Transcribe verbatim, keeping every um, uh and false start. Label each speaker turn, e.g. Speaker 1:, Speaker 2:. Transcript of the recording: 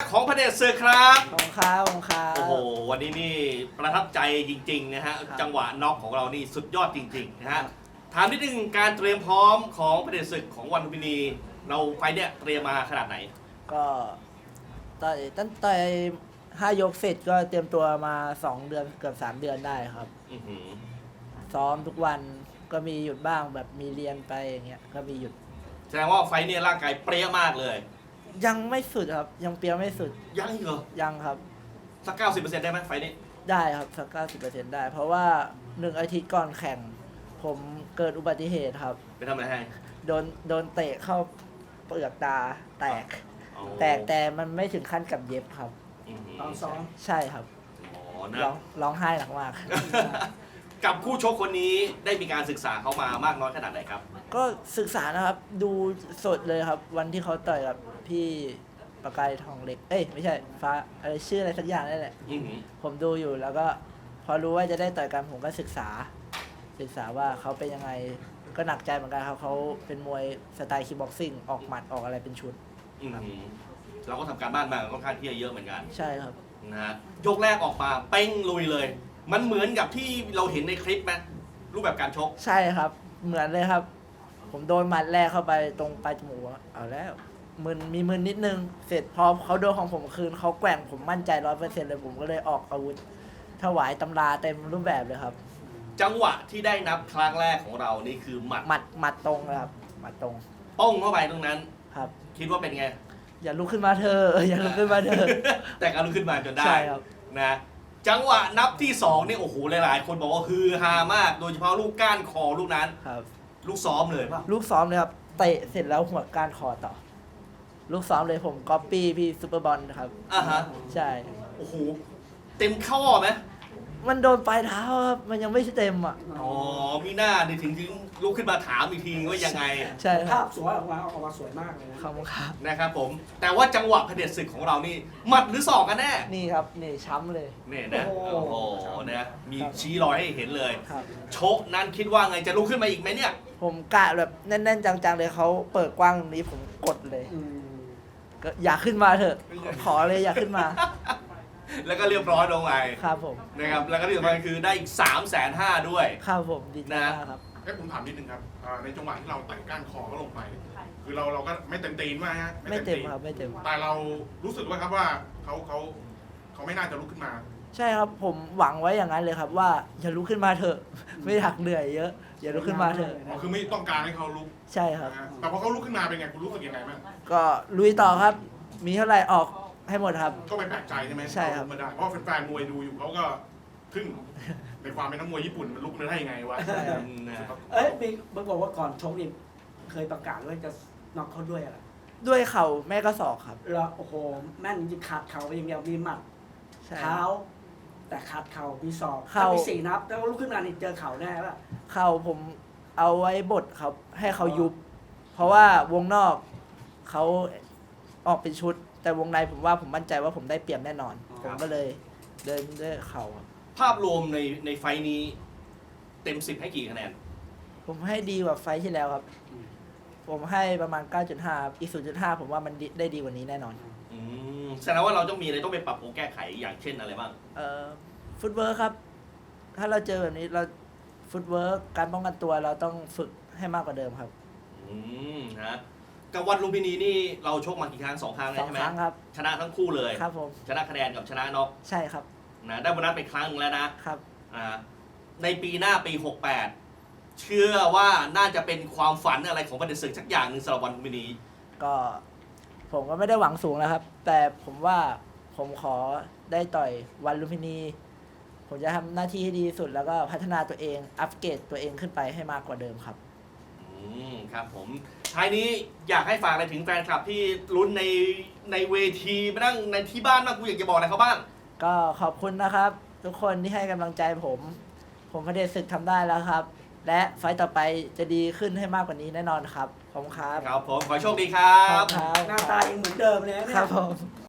Speaker 1: ของพระเดชศึกครับ
Speaker 2: ขอบคุณครับขอบคุณครับ
Speaker 1: โอ้โหวันนี้นี่ประทับใจจริงๆนะฮะจังหวะน็อกของเรานี่สุดยอดจริงๆนะฮะถามนิดนึงการเตรียมพร้อมของพระเดชศึกของวันลุมพินีเราไฟเนี่ยเตรียมมาขนาดไหน
Speaker 2: ก็ต่อยตั้งแต่ห้ายกเสร็จก็เตรียมตัวมาสองเดือนเกือบสามเดือนได้ครับ
Speaker 1: อื้อหือ
Speaker 2: ซ้อมทุกวันก็มีหยุดบ้างแบบมีเรียนไปอย่างเงี้ยก็มีหยุด
Speaker 1: แสดงว่าไฟเนี่ยร่างกายเปรี้ยมากเลย
Speaker 2: ยังไม่สุดครับ ยังเปรียวไม่สุด
Speaker 1: ยังอีกเหรอ
Speaker 2: ยังครับ
Speaker 1: สักเก้าสิบเปอร์เซ็นต์ได้ไหมไฟนี้
Speaker 2: ได้ครับสักเก้าสิบเปอร์เซ็นต์ได้ เพราะว่าหนึ่งอาทิตย์ก่อนแข่ง ผมเกิดอุบัติเหตุครับ
Speaker 1: ไปทำอะไรให้
Speaker 2: โดนโดนเตะเข้าเปลือกตาแตก
Speaker 1: อ๋อ
Speaker 2: แตกแต่มันไม่ถึงขั้นกับเย็บครับ
Speaker 1: อื้อหื
Speaker 3: ตอนซ้อม
Speaker 2: ใช่ครับ
Speaker 1: อ๋อนะ
Speaker 2: ร้องร้องไห้หนักมาก
Speaker 1: กับคู่ชกคนนี้ได้มีการศึกษาเขามามากน้อยขนาดไหนครับ
Speaker 2: ก็ศึกษานะครับดูสดเลยครับ วันที่เขาต่อยกับพี่ประกายทองเล็ก เอ้ยไม่ใช่ฟ้าอะไรชื่ออะไรสักอย่างนั่นแหละ
Speaker 1: อื้อหือ
Speaker 2: ผมดูอยู่แล้วก็พอรู้ว่าจะได้ต่อยกันผมก็ศึกษา ศึกษาว่าเขาเป็นยังไงก็หนักใจเหมือนกันครับเขาเป็นมวยสไตล์คิกบ็อกซิ่งออกหมัดออกอะไรเป็นชุด
Speaker 1: อื้อหือเราก็ทำการบ้านมาค่อนข้างที่จะเยอะเหมือนกัน
Speaker 2: ใช่ครับ
Speaker 1: นะฮะยกแรกออกมาเป้งลุยเลย มันเหมือนกับที่เราเห็นในคลิปไหมรูปแบบการชก
Speaker 2: ใช่ครับ เหมือนเลยครับ ผมโดนหมัดแรกเข้าไปตรงปลายจมูกอะเอาแล้วมึนมีมึนนิดนึง เสร็จพอเขาโดนของผมคืนเขาแกว่งผมมั่นใจร้อยเปอร์เซ็นต์เลยผมก็เลยออกอาวุธถวายตำราเต็มรูปแบบเลยครับ
Speaker 1: จังหวะที่ได้นับครั้งแรกของเรานี่คือหมัด
Speaker 2: หมัดหมัดตรงเลยครับหมัดตรง
Speaker 1: ป้องเข้าไปตรงนั้น
Speaker 2: ครับ
Speaker 1: คิดว่าเป็นไง
Speaker 2: อย่าลุกขึ้นมาเธอะอย่าลุกขึ้นมาเธอะ
Speaker 1: แต่การลุกขึ้นมาจนได้
Speaker 2: ใช่ครับ
Speaker 1: นะจังหวะนับที่สองนี่โอ้โหหลายๆ คนบอกว่าฮือฮามาก โดยเฉพาะลูกก้านคอลูกนั้น
Speaker 2: ครับ
Speaker 1: ลูกซ้อมเลยป่ะ
Speaker 2: ลูกซ้อมเลยครับเตะเสร็จแล้วหัวก้านคอต่อ ลูกซ้อมเลยผมก๊อปปี้พี่ซูเปอร์บอลครับ
Speaker 1: อ่ะฮะ
Speaker 2: ใช่
Speaker 1: โอ้โหเต็มข้อไหม
Speaker 2: มันโดนปลายเท้าครับมันยังไม่เต็มอ่ะ
Speaker 1: อ๋อมีหน้านี่ถึงถึงลุกขึ้นมาถามอีกทีว่ายังไง
Speaker 2: ใช่ค
Speaker 3: ภา
Speaker 2: รับ
Speaker 3: พสวยออกมาออกมาสวยมากเลยนะ
Speaker 2: ขอบคุณครับ
Speaker 1: นะครับผม แต่ว่าจังหวะเผด็จศึกของเรานี่หมัดหรือศอกกันแน่
Speaker 2: นี่ครับนี่ช้ำเลย
Speaker 1: เนี่ยนะ
Speaker 3: โอ้
Speaker 1: โอ้
Speaker 3: โห
Speaker 1: โหนะมีชี้รอยให้เห็นเลย
Speaker 2: ครับ
Speaker 1: โชคนั้นคิดว่าไงจะลุกขึ้นมาอีกไหมเนี่ย
Speaker 2: ผมกะแบบแน่นๆจังๆเลยเขาเปิดกว้างตรงนี้ผมกดเลย
Speaker 3: อืม
Speaker 2: ก็อยากขึ้นมาเถอะ ขอเลยอยากขึ้นมา
Speaker 1: แล้วก็เรียบร้อยลงไป
Speaker 2: ครับผม
Speaker 1: นะครับแล้วก็ที่สำคัญคือได้อีกสามแสนห้าด้วย
Speaker 2: ครับผมดีใจมากครับ
Speaker 4: เอ้ยผมถามนิดนึงครับอ่าในจังหวะที่เราไต่ก้านคอเขาลงไป คือเราเราก็ไม่เต็มตีนมากฮะ
Speaker 2: ไม่เต็มครับไม่เต็ม
Speaker 4: แต่เรารู้สึกว่าครับว่าเขาเขาเขาไม่น่าจะลุกขึ้นมา
Speaker 2: ใช่ครับผมหวังไว้อย่างนั้นเลยครับว่าอย่าลุกขึ้นมาเถอะ ไม่อยากเหนื่อยเยอะ อย่าลุกขึ้นมาเถอะ
Speaker 4: อ๋อคือไม่ต้องการให้เขาลุก
Speaker 2: ใช่ครับ
Speaker 4: นะฮะแต่พอเขาลุกขึ้นมาเป็นไงคุณรู้สึกยังไงบ้าง
Speaker 2: ก็ลุยต่อครับ มีเท่าไหร่ออกให้หมดครับ
Speaker 4: ก็ไม่แปลกใจใช่ไหม
Speaker 2: ใช่ครับ
Speaker 4: เขาลุกมาได้เพราะแฟนๆมวยดูอยู่เขาก็ทึ่งในความเป็นนักมวยญี่ปุ่นมันลุกมาได้ยังไงวะ
Speaker 2: ใช่ครับ
Speaker 1: นะ
Speaker 3: เอ้ยมีมึงบอกว่าก่อนชกนี่เคยประกาศว่าจะน็อกเขาด้วยอะไร
Speaker 2: ด้วยเข่าแม่ก็ศอกครับ
Speaker 3: แล้วโอ้โหแม่นจริงๆขาดเข่าไปอย่างเดียวมีหมัด
Speaker 2: ใช่
Speaker 3: เท้า แต่ขาดเข่ามีศอก
Speaker 2: เข่า
Speaker 3: ถ้ามีสี่นับแล้วลุกขึ้นมานี่เจอเข่าแน่ป่ะ
Speaker 2: เข่าผมเอาไว้บดครับ ให้เขายุบ เพราะว่าวงนอกเขาออกเป็นชุด แต่วงในผมว่าผมมั่นใจว่าผมได้เปรียบแน่นอน ผมก็เลยเดินด้วยเข่าครับ
Speaker 1: ภาพรวมในในไฟล์นี้เต็มสิบให้กี่คะแนน
Speaker 2: ผมให้ดีกว่าไฟท์ที่แล้วครับ ผมให้ประมาณ เก้าจุดห้า ครับอีก ศูนย์จุดห้า ผมว่ามันดีได้ดีกว่านี้แน่นอน
Speaker 1: อืมแสดงว่าเราต้องมีอะไรต้องไปปรับปรุงแก้ไขอย่างเช่นอะไรบ้าง
Speaker 2: เอ่อฟุตเวิร์คครับ ถ้าเราเจอแบบนี้เราฟุตเวิร์คการป้องกันตัวเราต้องฝึกให้มากกว่าเดิมครับ
Speaker 1: อืมนะกับวันลุมพินีนี่เราชกมากี่ครั้งสองครั้งเลย
Speaker 2: สอง
Speaker 1: ใช่ไหม
Speaker 2: ครั้งครับ
Speaker 1: ชนะทั้งคู่เลย
Speaker 2: ครับผม
Speaker 1: ชนะคะแนนกับชนะน็อก
Speaker 2: ใช่ครับ
Speaker 1: นะได้โบนัสไปครั้งหนึ่งแล้วนะครับ อ่าในปีหน้าปีหกแปดเชื่อว่าน่าจะเป็นความฝันอะไรของประเด็นศึกสักอย่างหนึ่งสำหรับวันลุมพินี
Speaker 2: ก็ผมก็ไม่ได้หวังสูงแล้วครับ แต่ผมว่าผมขอได้ต่อยวันลุมพินี ผมจะทำหน้าที่ให้ดีที่สุดแล้วก็พัฒนาตัวเอง อัปเกรดตัวเองขึ้นไปให้มากกว่าเดิมครับ
Speaker 1: อืมครับผมท้ายนี้อยากให้ฝากอะไรถึงแฟนคลับที่ลุ้นในในเวทีมานั่งในที่บ้านบ้างกูอยากจะบอกอะไรเขาบ้าง
Speaker 2: ก็ขอบคุณนะครับ ทุกคนที่ให้กำลังใจผม ผมพระเดชศึกทำได้แล้วครับ และไฟต์ต่อไปจะดีขึ้นให้มากกว่านี้แน่นอนครับขอบคุณครับ
Speaker 1: ครับผมขอให้โชคดีครั
Speaker 2: ครับ บครับ
Speaker 3: หน้าตายังเหมือนเดิมเลยนะเนี่ย
Speaker 2: ครับผม